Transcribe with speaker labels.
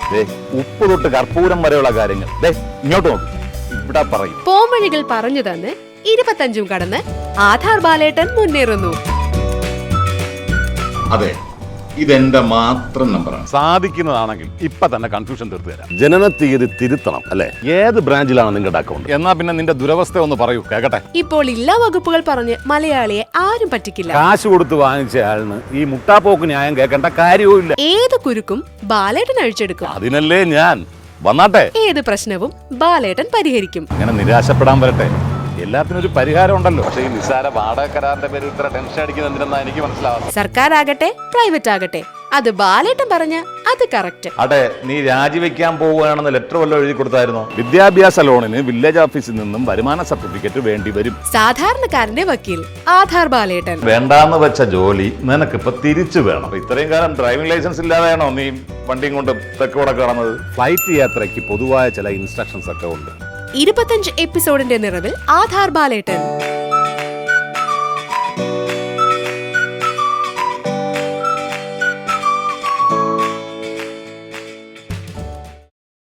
Speaker 1: ഉപ്പ് തൊട്ട് കർപ്പൂരം വരെയുള്ള കാര്യങ്ങൾ ഇങ്ങോട്ട് നോക്ക്, ഇവിടെ പറയും.
Speaker 2: പോംവഴികൾ പറഞ്ഞു തന്ന് 25 കടന്ന് ആധാർ ബാലേട്ടൻ മുന്നേറുന്നു.
Speaker 3: അതെ, ഇതെന്റെ മാത്രം നമ്പറാണ്.
Speaker 1: സാധിക്കുന്നതാണെങ്കിൽ ഇപ്പൊ തന്നെ കൺഫ്യൂഷൻ തീർത്തു തരാം.
Speaker 4: ജനനത്തീയതി തിരുത്തണം അല്ലെ? ഏത് ബ്രാഞ്ചിലാണ് നിങ്ങളുടെ അക്കൗണ്ട്?
Speaker 1: എന്നാ പിന്നെ നിന്റെ ദുരവസ്ഥ ഒന്ന് പറയൂ, കേക്കട്ടെ.
Speaker 2: ഇപ്പോൾ എല്ലാ വകുപ്പുകൾ പറഞ്ഞ് മലയാളിയെ ആരും പറ്റിക്കില്ല.
Speaker 4: കാശ് കൊടുത്ത് വാങ്ങിച്ച ആളിന് ഈ മുട്ടാപ്പോക്ക് ന്യായം കേൾക്കേണ്ട കാര്യവും ഇല്ല.
Speaker 2: ഏത് കുരുക്കും ബാലേട്ടൻ അഴിച്ചെടുക്കും.
Speaker 1: അതിനല്ലേ ഞാൻ വന്നാട്ടെ.
Speaker 2: ഏത് പ്രശ്നവും ബാലേട്ടൻ പരിഹരിക്കും.
Speaker 1: അങ്ങനെ നിരാശപ്പെടാൻ വരട്ടെ, എല്ലാത്തിനും ഒരു പരിഹാരം ഉണ്ടല്ലോ. പക്ഷേ ഈ നിസ്സാര വാടക കരാറിന്റെ പേരിൽ ഇത്ര ടെൻഷൻ അടിക്കുന്നത് എന്തിനാ എനിക്ക് മനസ്സിലാവാം.
Speaker 2: സർക്കാർ ആകട്ടെ പ്രൈവറ്റ് ആകട്ടെ, അത് ബാലേട്ടൻ പറഞ്ഞ അത് കറക്റ്റ്.
Speaker 1: അതെ, നീ രാജിവെക്കാൻ പോവുകയാണെന്ന് ലെറ്റർ വല്ലതും എഴുതി കൊടുത്തായിരുന്നോ? വിദ്യാഭ്യാസ ലോണിന് വില്ലേജ് ഓഫീസിൽ നിന്നും വരുമാന സർട്ടിഫിക്കറ്റ് വേണ്ടി വരും.
Speaker 2: സാധാരണക്കാരന്റെ വക്കീൽ ആധാർ ബാലേട്ടൻ.
Speaker 1: വേണ്ടാന്ന് വെച്ച ജോലി നിനക്കിപ്പോ തിരിച്ചു വേണം. ഇത്രയും കാലം ഡ്രൈവിംഗ് ലൈസൻസ് ഇല്ലാതെയാണോ നീ വണ്ടിയും കൊണ്ട് തെക്കോടെ കടന്നത്?
Speaker 4: ഫ്ലൈറ്റ് യാത്രയ്ക്ക് പൊതുവായ ചില ഇൻസ്ട്രക്ഷൻസ് ഒക്കെ ഉണ്ട്.
Speaker 2: 25 എപ്പിസോഡിന്റെ നിറവിൽ ആധാർ ബാലേട്ടൻ.